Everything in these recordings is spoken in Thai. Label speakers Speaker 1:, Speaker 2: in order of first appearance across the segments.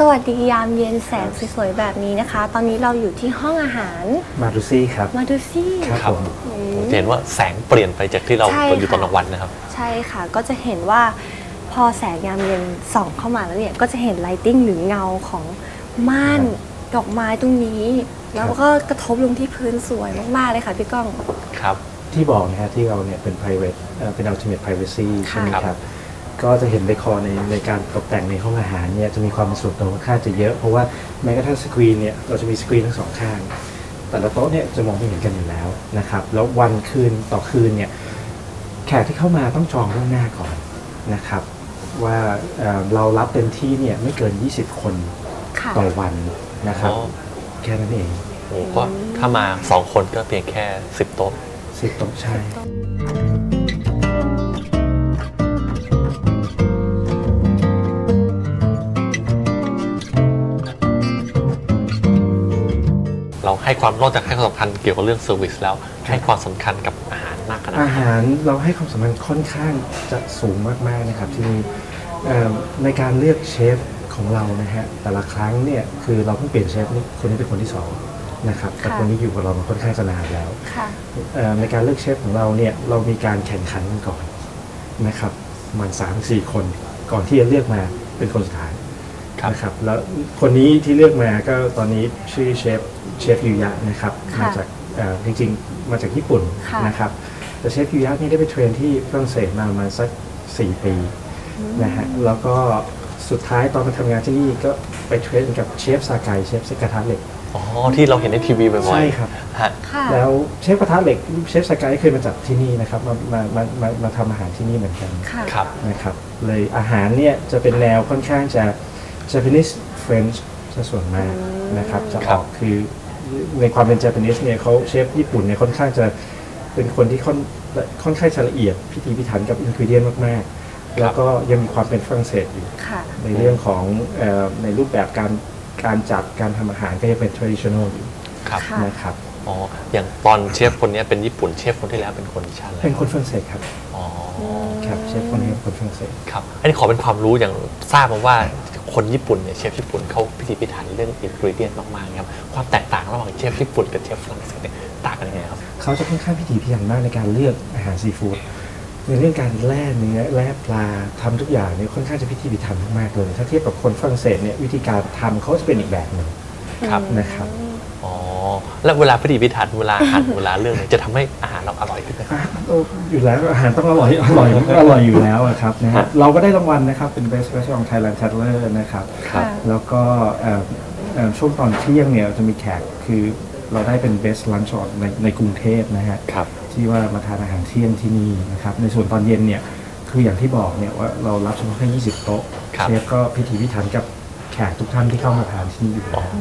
Speaker 1: สวัสดียามเย็นแสงสวยๆแบบนี้นะคะตอนนี้เราอยู่ที่ห้องอาหาร
Speaker 2: มาดูซี่ครับ
Speaker 1: มาดูซี่
Speaker 2: ครับผม
Speaker 3: จะเห็นว่าแสงเปลี่ยนไปจากที่เราอยู่ตอนกลางวันนะครับ
Speaker 1: ใช่ค่ะก็จะเห็นว่าพอแสงยามเย็นส่องเข้ามาแล้วเนี่ยก็จะเห็นไลติ้งหรือเงาของม่านดอกไม้ตรงนี้แล้วก็กระทบลงที่พื้นสวยมากๆเลยค่ะพี่ก้อง
Speaker 3: ครับ
Speaker 2: ที่บอกนะฮะที่เราเนี่ยเป็น private เป็น ultimate privacy ใช่ไหมครับก็จะเห็นในคอในการตกแต่งในห้องอาหารเนี่ยจะมีความเป็นส่วนตัวค่อนข้างจะเยอะเพราะว่าแม้กระทั่งสกรีนเนี่ยเราจะมีสกรีนทั้งสองข้างแต่ละโต๊ะเนี่ยจะมองไม่เห็นกันอยู่แล้วนะครับแล้ววันคืนต่อคืนเนี่ยแขกที่เข้ามาต้องจองล่วงหน้าก่อนนะครับว่าเรารับเต็มที่เนี่ยไม่เกิน20คนต่อวันนะครับแค่นั้นเอง
Speaker 3: โอ้ก็ถ้ามา2คนก็เพียงแค่10 โต๊ะ
Speaker 2: 10 โต๊ะใช่
Speaker 3: เราให้ความนอกจากให้ความสำคัญเกี่ยวกับเรื่องเซอร์วิสแล้วให้ความสำคัญกับอาหารมากขนาด
Speaker 2: อาหารเราให้ความสำคัญค่อนข้างจะสูงมากๆนะครับที่นี่ในการเลือกเชฟของเรานะฮะแต่ละครั้งเนี่ยคือเราเพิ่งเปลี่ยนเชฟคนนี้เป็นคนที่2นะครับแต่คนนี้อยู่กับเรามาค่อนข้างจะนานแล้วในการเลือกเชฟของเราเนี่ยเรามีการแข่งขันกันก่อนนะครับมัน 3-4 คนก่อนที่จะเลือกมาเป็นคนสุดท้ายนะครับแล้วคนนี้ที่เลือกมาก็ตอนนี้ชื่อเชฟยูยะนะครับมาจากจริงๆมาจากญี่ปุ่นนะครับแต่เชฟยูยะนี่ได้ไปเทรนที่ฝรั่งเศสมาประมาณสัก4 ปีนะฮะแล้วก็สุดท้ายตอนมาทำงานที่นี่ก็ไปเทรนกับเชฟซาไกเชฟกระทะเหล็ก
Speaker 3: อ๋อที่เราเห็นในทีวีบ่อยๆ
Speaker 2: ใช่ครับแล้วเชฟกระทะเหล็กเชฟซาไกเคยมาจากที่นี่นะครับมาทำอาหารที่นี่เหมือนกันนะครับเลยอาหารเนี่ยจะเป็นแนวค่อนข้างจะ Japanese French จะส่วนมากนะครับจะออกคือในความเป็น Japanese เนี่ยเขาเชฟญี่ปุ่นเนี่ยค่อนข้างจะเป็นคนที่ค่อนข้างจะละเอียดพิถีพิถันกับอินกรีเดียนมากๆแล้วก็ยังมีความเป็นฝรั่งเศสอยู่ในเรื่องของในรูปแบบการจัดการทำอาหารก็ยังเป็น traditional อยู่นะครับ
Speaker 3: อ๋ออย่างตอนเชฟคนนี้เป็นญี่ปุ่นเชฟคนที่แล้วเป็นคนชาติอะไร
Speaker 2: เป็นคนฝรั่งเศสครับอ๋อครับเชฟคนนี้เป็นคนฝรั่งเศส
Speaker 3: ครับอันนี้ขอเป็นความรู้อย่างทราบมาว่าคนญี่ปุ่นเนี่ยเชฟญี่ปุ่นเขาพิถีพิถันเรื่องอินกรีเดียนมากๆครับความแตกต่างระหว่างเชฟญี่ปุ่นกับเชฟฝรั่งเศสเนี่ยต่างกันยังไงครับ
Speaker 2: เขาจะค่อนข้างพิถีพิถันมากในการเลือกอาหารซีฟู้ดในเรื่องการแล่เนื้อแล่ปลาทำทุกอย่างเนี่ยค่อนข้างจะพิถีพิถันมากๆเลยถ้าเทียบกับคนฝรั่งเศสเนี่ยวิธีการทำเขาจะเป็นอีกแบบหนึ่งนะครับ
Speaker 3: อ๋อแล้วเวลาพิถีพิถันเวลาหั่นเวลาเลือกจะทำให้อาหารเราอร่อยขึ้นไหม
Speaker 2: อยู่แล้วอาหารต้องอร่อยอยู่แล้วครับนะฮะเราก็ได้รางวัลนะครับเป็น Best Restaurant Thailand Tatler นะครับแล้วก็ช่วงตอนเที่ยงเนี่ยจะมีแขกคือเราได้เป็น Best Lunch ในกรุงเทพนะฮะที่ว่ามาทานอาหารเที่ยงที่นี่นะครับในส่วนตอนเย็นเนี่ยคืออย่างที่บอกเนี่ยว่าเรารับเฉพาะแค่20 โต๊ะเชฟก็พิถีพิถันกับแขกทุกท่านที่เข้ามาทานที่นี่อยู่แล้ว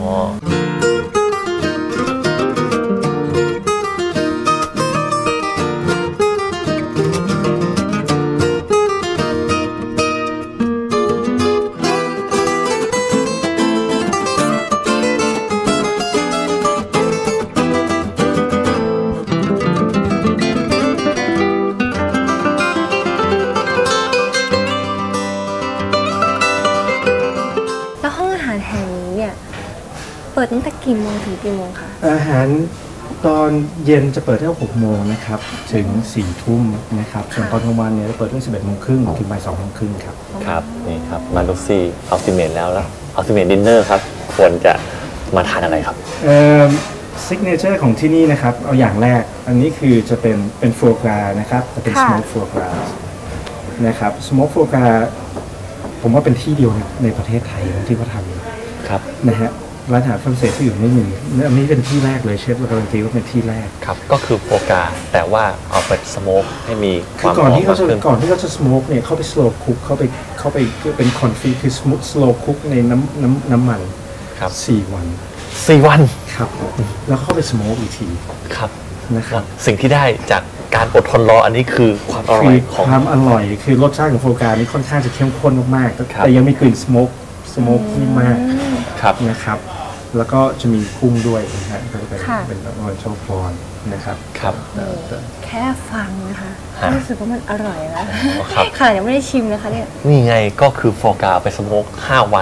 Speaker 1: เปิดตั้งแต่กี่โมงถึงกี่โมงคะ
Speaker 2: อาหารตอนเย็นจะเปิดตั้งแต่6 โมงนะครับถึง4 ทุ่มนะครับส่วนตอนกลางวันเนี่ยจะเปิดตั้ง11 โมงครึ่งถึงบ่าย 2 โมงครึ่งครับ
Speaker 3: ครับนี่ครับมาดูซี่อัลติเมทแล้วอัลติเมทดินเนอร์ครับควรจะมาทานอะไรครับ
Speaker 2: ซิกเนเจอร์ของที่นี่นะครับเอาอย่างแรกอันนี้คือจะเป็นฟัวกรานะครับจะเป็นสโมกฟัวกรานะครับสโมกฟัวกราผมว่าเป็นที่เดียวในประเทศไทยที่เขาทำ
Speaker 3: ครับ
Speaker 2: นะฮะร้านอาหารฝรั่งเศสที่อยู่ไม่มีอันนี้เป็นที่แรกเลยเชฟเราการันตีว่าเป็นที่แรก
Speaker 3: ครับก็คือโฟกาแต่ว่าเอาไปสโมกให้มีความ
Speaker 2: ก่อนที่เขาจะสโมกเนี่ยเขาไปสโลว์คุกเขาไปเป็นคอนฟิคือสโลว์คุกในน้ำมัน
Speaker 3: ครับ
Speaker 2: 4 วันครับแล้วเข้าไปสโมกอีกที
Speaker 3: ครับ
Speaker 2: นะครับ
Speaker 3: สิ่งที่ได้จากการอดทนรออันนี้คือความอร่อยของ
Speaker 2: ความอร่อยคือรสชาติของโฟกานี่ค่อนข้างจะเข้มข้นมากๆแต่ยังมีกลิ่นสโมกนี่มากนะครับแล้วก็จะมีกุ้งด้วยนะฮะก็เป็นออริจินอลพรอนนะครับ
Speaker 1: แค่ฟังนะคะรู้สึกว่ามันอร่อยแล้วค่ะยังไม่ได้ชิมนะคะเนี่ย
Speaker 3: นี่ไงก็คือโฟกาไปสโมก5 วัน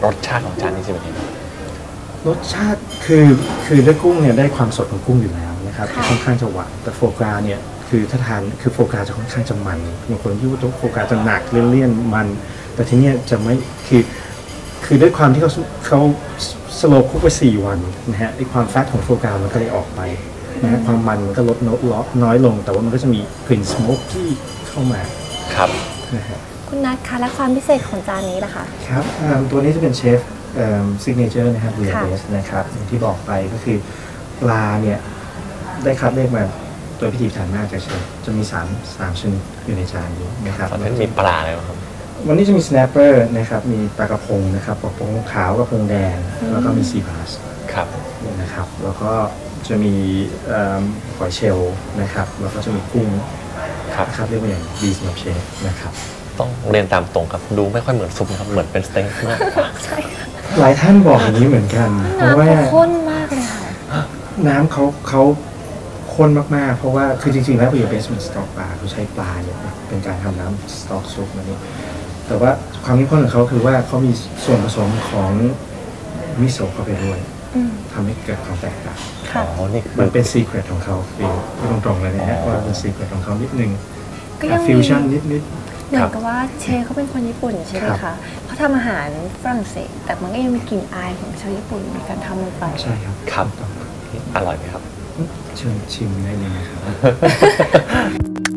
Speaker 3: รสชาติของจานนี้จะเป็นยังไง
Speaker 2: รสชาติคือด้วยกุ้งเนี่ยได้ความสดของกุ้งอยู่แล้วนะครับ
Speaker 1: ค่ะ
Speaker 2: ค่อนข้างจะหวานแต่โฟกราเนี่ยคือถ้าทานคือโฟกราจะค่อนข้างจะมันบางคนที่ว่าโฟกราจะหนักเลี่ยนๆมัน แต่ที่เนี่ยจะไม่คือด้วยความที่เขาสโลว์คุกไป4 วันนะฮะไอความแฟตของโฟกรามันก็เลยออกไปนะฮะความมันมันก็ลดน้อยลง แต่ว่ามันก็จะมีกลิ่นสโมกที่เข้ามา
Speaker 3: ครับ
Speaker 2: นะฮะ
Speaker 1: คุณนัทคะและความพิเศษของจานนี้ล่ะคะ
Speaker 2: ครับตัวนี้จะเป็นเชฟซิกเนเจอร์นะครับเบียร์
Speaker 1: ค่ะ
Speaker 2: เบสนะครับอย่างที่บอกไปก็คือปลาเนี่ยได้คัดเลือกมาโดยพิธีพิถันมากจากเชฟจะมี3ชนิดอยู่ในจานนี้นะครับ
Speaker 3: ตอนนั้นมีปลาอะไรบ้างครับ
Speaker 2: วันนี้จะมีสแนปเปอร์นะครับมีปลากระพงนะครับกระพงขาวกระพงแดง แล้วก็มีซีบาส
Speaker 3: ครับ
Speaker 2: นะครับแล้วก็จะมีหอยเชลล์นะครับแล้วก็จะมีกุ้ง
Speaker 3: ครับ
Speaker 2: นะครับเรียกว่าอย่างดีสำหรับเชฟนะครับ
Speaker 3: ต้องเรียนตามตรงครับ ดูไม่ค่อยเหมือนซุปนะครับ เหมือนเป็นสเต็กมากกว่า
Speaker 1: ใช่ค่ะ
Speaker 2: หลายท่านบอกอย่างนี้เหมือนกัน เพราะ
Speaker 1: น้ำ
Speaker 2: ว่า
Speaker 1: เขาข้นมากเลยค่ะ
Speaker 2: น้ำเขาข้นมากๆ เพราะว่าคือจริงๆแล้วเบียร์เบสมันสต๊อกปลาเขาใช้ปลาเนี่ยเป็นการทำน้ำสต๊อกซุปมันนี่แต่ว่าความเข้มข้นของเขาคือว่าเขามีส่วนผสมของมิโซะเข้าไปด้วย
Speaker 1: อืม
Speaker 2: ทำให้เกิดความแตกต่าง
Speaker 1: ค่ะ
Speaker 3: อ๋อ นี่คื
Speaker 2: มั
Speaker 3: อน
Speaker 2: เป็นซีเครตของเขาคือพูดตรงๆเลยนะฮะว่าเป็นซีเครตของเขานิดนึง
Speaker 1: ก็ยังมี
Speaker 2: ฟิวชั่นนิด
Speaker 1: เหมือนกับว่าเชฟเขาเป็นคนญี่ปุ่นใช่ไหม
Speaker 2: ครั
Speaker 1: คะ
Speaker 2: บ
Speaker 1: เขาทำอาหารฝรั่งเศส แต่มันก็ยังมีกลิ่นอายของชาวญี่ปุ่นในการทำลงไป
Speaker 2: ๆใช่ครับ
Speaker 3: ครับ
Speaker 2: ถูกต้อง
Speaker 3: อร่อยไหมครับ
Speaker 2: เชิญชิมได้เลยนะครับ